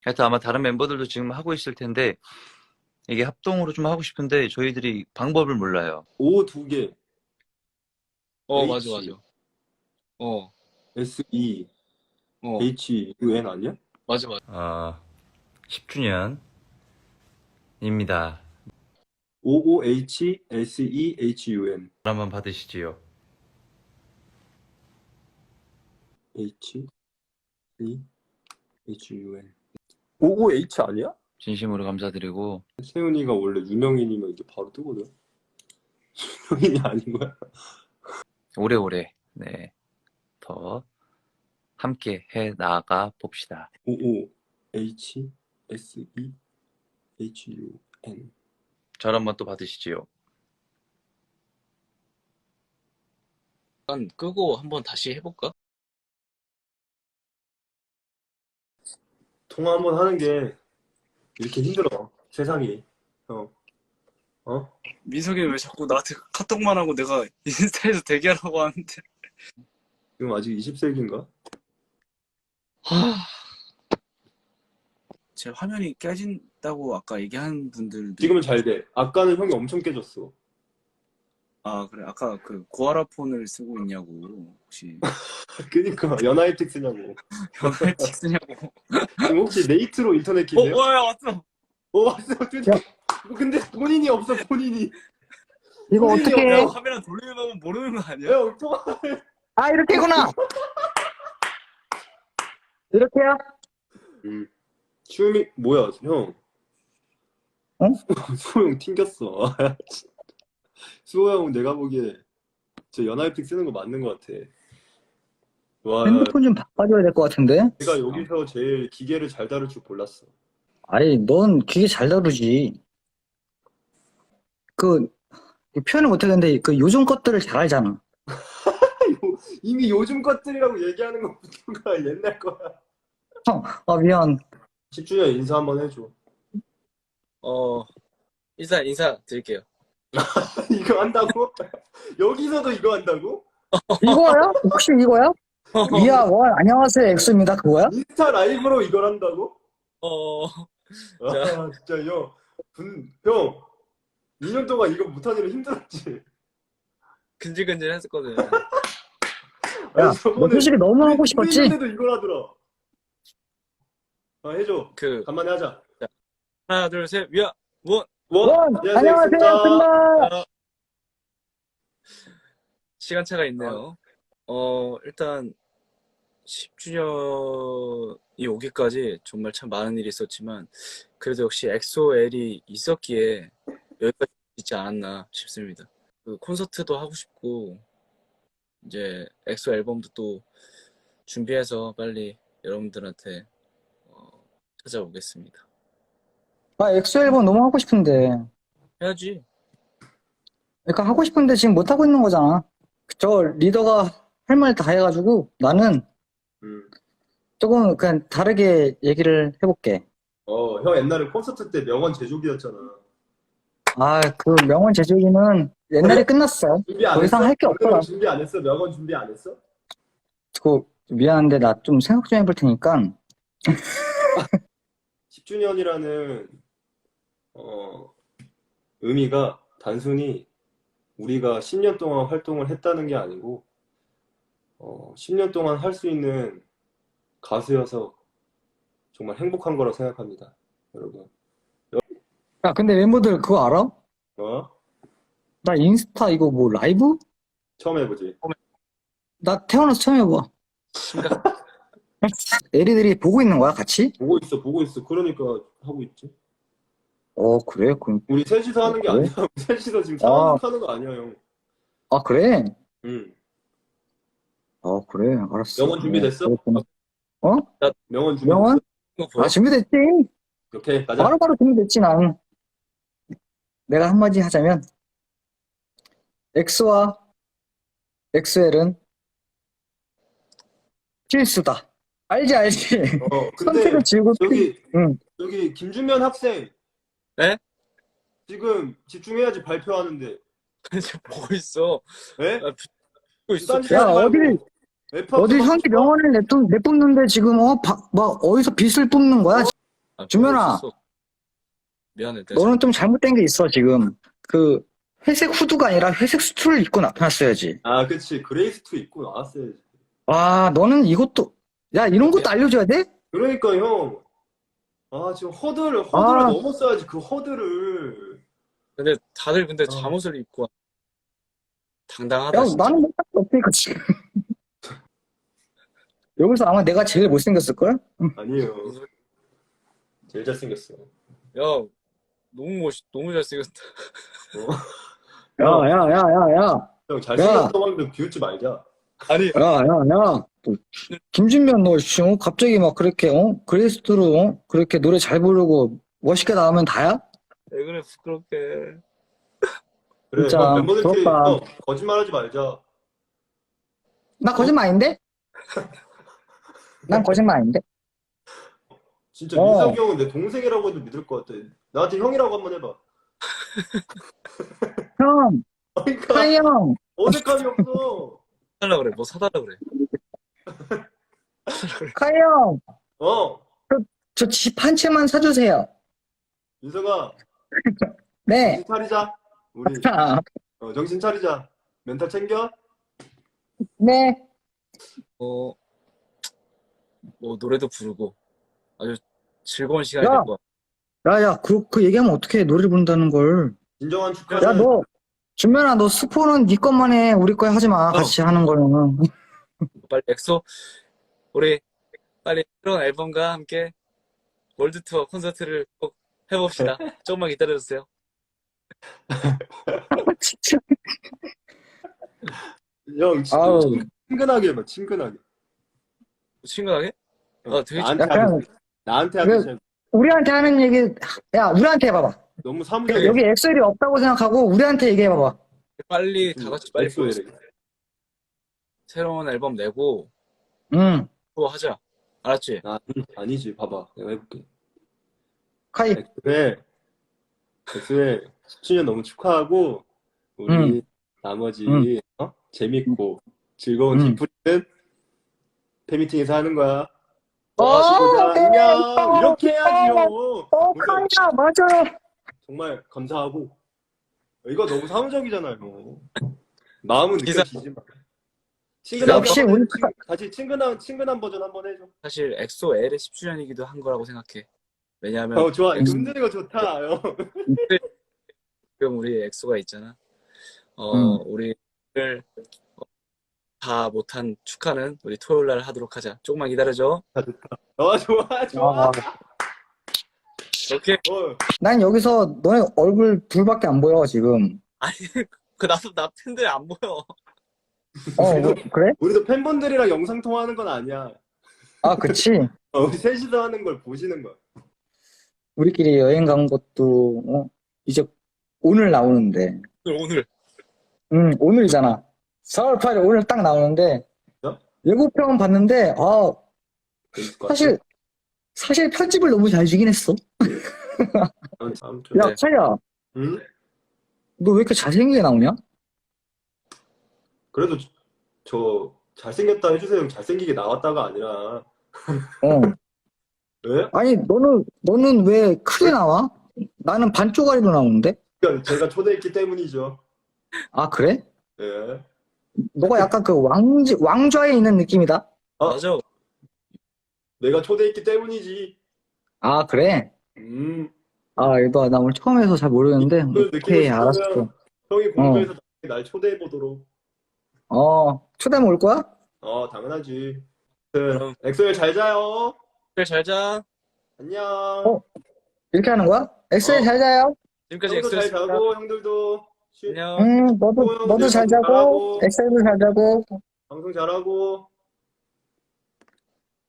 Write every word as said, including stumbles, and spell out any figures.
하여튼 아마 다른 멤버들도 지금 하고 있을 텐데 이게 합동으로 좀 하고 싶은데 저희들이 방법을 몰라요. O 두 개. 어, 맞아, H, 맞아. 어, S, E, 어, H, U, N 아니야? 맞아, 맞아. 어, 십 주년입니다. O, O, H, S, E, H, U, N. 한번 받으시지요. H, E, H, U, N. O, O, H 아니야? 진심으로 감사드리고 세훈이가 원래 유명인이면 이게 바로 뜨거든. 유명인이 아닌 거야? 오래오래 네, 더 함께 해 나가 봅시다. O, O, H, S, E, H, U, N. 절 한번 또 받으시지요. 일단 끄고 한번 다시 해볼까? 통화 한번 하는 게 이렇게 힘들어. 세상이. 어. 어? 민석이 왜 자꾸 나한테 카톡만 하고 내가 인스타에서 대기하라고 하는데. 지금 아직 이십 세기인가? 하... 제 화면이 깨진다고 아까 얘기한 분들도. 지금은 잘 돼. 아까는 형이 엄청 깨졌어. 아, 그래. 아까 그 고아라 폰을 쓰고 있냐고. 혹시 그니까 연하이틱 쓰냐고. 연애틱 쓰냐고. 지금 혹시 네이트로 인터넷 어, 키세요? 와, 야, 왔어. 어 왔어. 드디어. 근데 본인이 없어 본인이. 이거 본인이 어떻게 야, 해? 없어. 화면 돌리는 거 모르는 거 아니야? 야 통화. 아, 이렇게구나. 이렇게야? 음. 춤이 뭐야 형? 어? 수호 형 튕겼어. 수호 형 내가 보기에 저 연하이픽 쓰는 거 맞는 것 같아. 와, 핸드폰 좀 바꿔줘야 될 것 같은데? 내가 여기서 제일 기계를 잘 다룰 줄 몰랐어. 아니, 넌 기계 잘 다루지. 그, 표현을 못하겠는데, 그 요즘 것들을 잘 알잖아. 이미 요즘 것들이라고 얘기하는 것부터가 옛날 거야. 아, 미안. 십 주년 인사 한번 해줘. 어, 인사, 인사 드릴게요. 이거 한다고? 여기서도 이거 한다고? 이거야? 혹시 이거야? 미아 원, 안녕하세요, 엑소입니다. 그거야? 인스타 라이브로 이걸 한다고? 어, 아, 진짜 형. 분, 형. 이 년 동안 이거 못하느라 힘들었지? 근질근질 했었거든. 야, 아니, 너 저번에 솔직히 너무 하고 싶었지? 우리 있는데도 이걸 하더라. 아, 해줘. 그, 간만에 하자. 하나, 둘, 셋, 위아, 원. 원, 안녕하세요, 안녕하세요, 엑소입니다. 엑소입니다. 아, 시간차가 있네요. 어, 일단 십 주년이 오기까지 정말 참 많은 일이 있었지만 그래도 역시 엑소엘이 있었기에 여기까지 있지 않았나 싶습니다. 그 콘서트도 하고 싶고 이제 엑소 앨범도 또 준비해서 빨리 여러분들한테 어, 찾아오겠습니다. 아, 엑소 앨범 너무 하고 싶은데. 해야지. 그러니까 하고 싶은데 지금 못 하고 있는 거잖아. 저 리더가 할 말 다 해가지고 나는 음. 조금 그냥 다르게 얘기를 해볼게. 어, 형 옛날에 콘서트 때 명언 제조기였잖아. 아, 그 명언 제조기는 옛날에 끝났어. 준비 안 더 이상 했어? 할 게 없더라. 오늘은 준비 안 했어? 명언 준비 안 했어? 그 미안한데 나 좀 생각 좀 해볼 테니까. 십 주년이라는 어, 의미가 단순히 우리가 십 년 동안 활동을 했다는 게 아니고 어, 십 년 동안 할 수 있는 가수여서 정말 행복한 거라고 생각합니다. 여러분. 야, 근데 멤버들 그거 알아? 어? 나 인스타 이거 뭐 라이브? 처음 해보지. 나 태어나서 처음 해봐. 심각. 애리들이 보고 있는 거야, 같이? 보고 있어, 보고 있어. 그러니까 하고 있지. 어, 그래? 그럼, 우리 셋이서 하는 게 그래? 아니야. 우리 셋이서 지금 아. 상황 하는 거 아니야, 형. 아, 그래? 응. 어, 그래. 알았어. 명언 준비됐어? 그렇구나. 어? 명언 준비됐어? 명언? 이거 보여? 아, 준비됐지? 오케이, 가자. 바로바로 준비됐지, 난. 내가 한마디 하자면, 엑소와 엑소엘은 필수다. 알지, 알지? 어, 근데 선택을 지우고, 필- 여기 응. 여기 김준면 학생. 네? 지금 집중해야지 발표하는데. 이제 보고 있어. 에? 아, 보고 있어. 딴짓 야, 하지 말고. 어딜, F합 어딜 좀 형이 하고 싶어? 명언을 내뿜, 내뿜는데 지금, 어, 바, 막, 어디서 빚을 뽑는 거야? 아, 준면아. 없었어. 미안해. 내가 너는 좀 잘못된 게 있어, 지금. 그, 회색 후드가 아니라 회색 수트를 입고 나타났어야지. 아, 그치. 그레이스투 입고 나왔어야지. 와, 너는 이것도, 야, 이런 것도 알려줘야 돼? 그러니까 형. 아, 지금 허드를, 허드를 아. 넘었어야지, 그 허드를. 근데 다들 근데 어. 잠옷을 입고 와. 당당하다 야, 진짜. 나는 못할 수 없으니까, 지금. 여기서 아마 내가 제일 못생겼을걸? 아니에요. 제일 잘생겼어. 야, 너무 멋있, 너무 잘생겼다. 어? 야, 야, 야, 야, 야. 형, 잘생겼다고 하는데 비웃지 말자. 아니, 야, 야, 야. 또, 김준면 너, 씨, 어? 갑자기 막 그렇게, 어? 그레이스트로, 어? 그렇게 노래 잘 부르고 멋있게 나오면 다야? 왜 그래 부끄럽게. 그래, 진짜 형, 멤버들끼리, 부럽다. 형, 거짓말 하지 말자. 나 거짓말 아닌데? 난 거짓말 아닌데? 진짜 어. 민석이 형은 내 동생이라고 해도 믿을 것 같아. 나한테 형이라고 한번 해봐. 형, 그러니까 카이 형. 어색함이 없어. 사달라 그래, 뭐 사달라 그래. 카이 형. 어, 저 집 한 채만 사주세요. 민석아, 네. 정신 차리자. 우리 어, 정신 차리자. 멘탈 챙겨. 네. 어, 뭐 노래도 부르고 아주 즐거운 시간이 야. 될 것 같아. 야, 야, 그, 그 얘기하면 어떻게 노래를 부른다는 걸. 진정한 축하는 야, 너, 준면아, 너 스포는 네 것만 해. 우리 거 하지 마. 같이 하는 거는. 빨리 엑소 우리 빨리 새로운 앨범과 함께 월드 투어 콘서트를 꼭 해봅시다. 조금만 기다려주세요. 진짜. 형 진짜 아우. 친근하게 해봐. 친근하게. 친근하게? 어, 아, 되게 나한테 약간- 하듯이. 나한테 그- 하듯이. 우리한테 하는 얘기, 야, 우리한테 해봐봐. 너무 사무적이야. 여기 엑셀이 없다고 생각하고 우리한테 얘기해봐봐. 빨리 다 같이 빨리 엑소에 모여서 새로운 앨범 내고 응. 투어 하자. 알았지? 아, 아니지. 봐봐. 내가 해볼게. 카이. 엑소에 엑소에 십 주년 너무 축하하고 우리 응. 나머지 응. 어? 재밌고 즐거운 응. 디프리는 팬미팅에서 하는 거야. 어, 다시 보자. 네. 안녕. 이렇게 해야지요. 어, 우리 카이야, 맞아요. 정말 감사하고 이거 너무 사무적이잖아요. 마음은 기사- 느껴지지 마. 친근하게 역시 한번 우리 해. 친- 다시 친근한 친근한 버전 한번 해줘. 사실 엑소 L의 십 주년이기도 한 거라고 생각해. 왜냐하면 어 좋아. 이거 엑소- 흔드는 거 좋다. 형. 지금 우리 엑소가 있잖아. 어, 음. 우리를 어, 다 못한 축하는 우리 토요일 날 하도록 하자. 조금만 기다려줘. 어 좋아 좋아. 아, 오케이. 어, 난 여기서 너네 얼굴 둘밖에 안 보여, 지금. 아니, 그 나도 나 팬들 안 보여. 어, 뭐, 그래? 우리도 팬분들이랑 영상 통화하는 건 아니야. 아, 그치. 어, 우리 셋이서 하는 걸 보시는 거야. 우리끼리 여행 간 것도, 어, 이제 오늘 나오는데. 오늘 오늘 응, 오늘이잖아. 사월 팔일 오늘 딱 나오는데. 어? 예고편 봤는데, 아, 재밌을 것 같아. 사실, 사실 편집을 너무 잘 주긴 했어. 아무튼, 아무튼. 야, 네. 차야, 응? 너 왜 이렇게 잘생기게 나오냐? 그래도 저, 저 잘생겼다 해주세요. 잘생기게 나왔다가 아니라. 어. 왜? 아니, 너는, 너는 왜 크게 나와? 나는 반 쪼가리로 나오는데? 그러니까 제가 초대했기 때문이죠. 아, 그래? 예. 너가 약간 그 왕지, 왕좌에 있는 느낌이다? 어? 맞아. 내가 초대했기 때문이지. 아, 그래? 음. 아, 너, 나 오늘 처음 해서 잘 모르겠는데. 그걸 느끼고 오케이, 싶으면 알았어. 형이 공부해서 날 초대해보도록. 어, 초대하면 올 거야? 어, 당연하지. 그럼 엑소엘 잘 자요. 그래 잘 자. 안녕. 어? 이렇게 하는 거야? 엑셀 어. 잘 자요? 지금까지 형도 잘 엑소였습니다. 자고 형들도 쉬, 안녕. 응, 너도, 어, 너도 잘 잘 자고, 자고. 엑셀도 잘 자고. 방송 잘하고.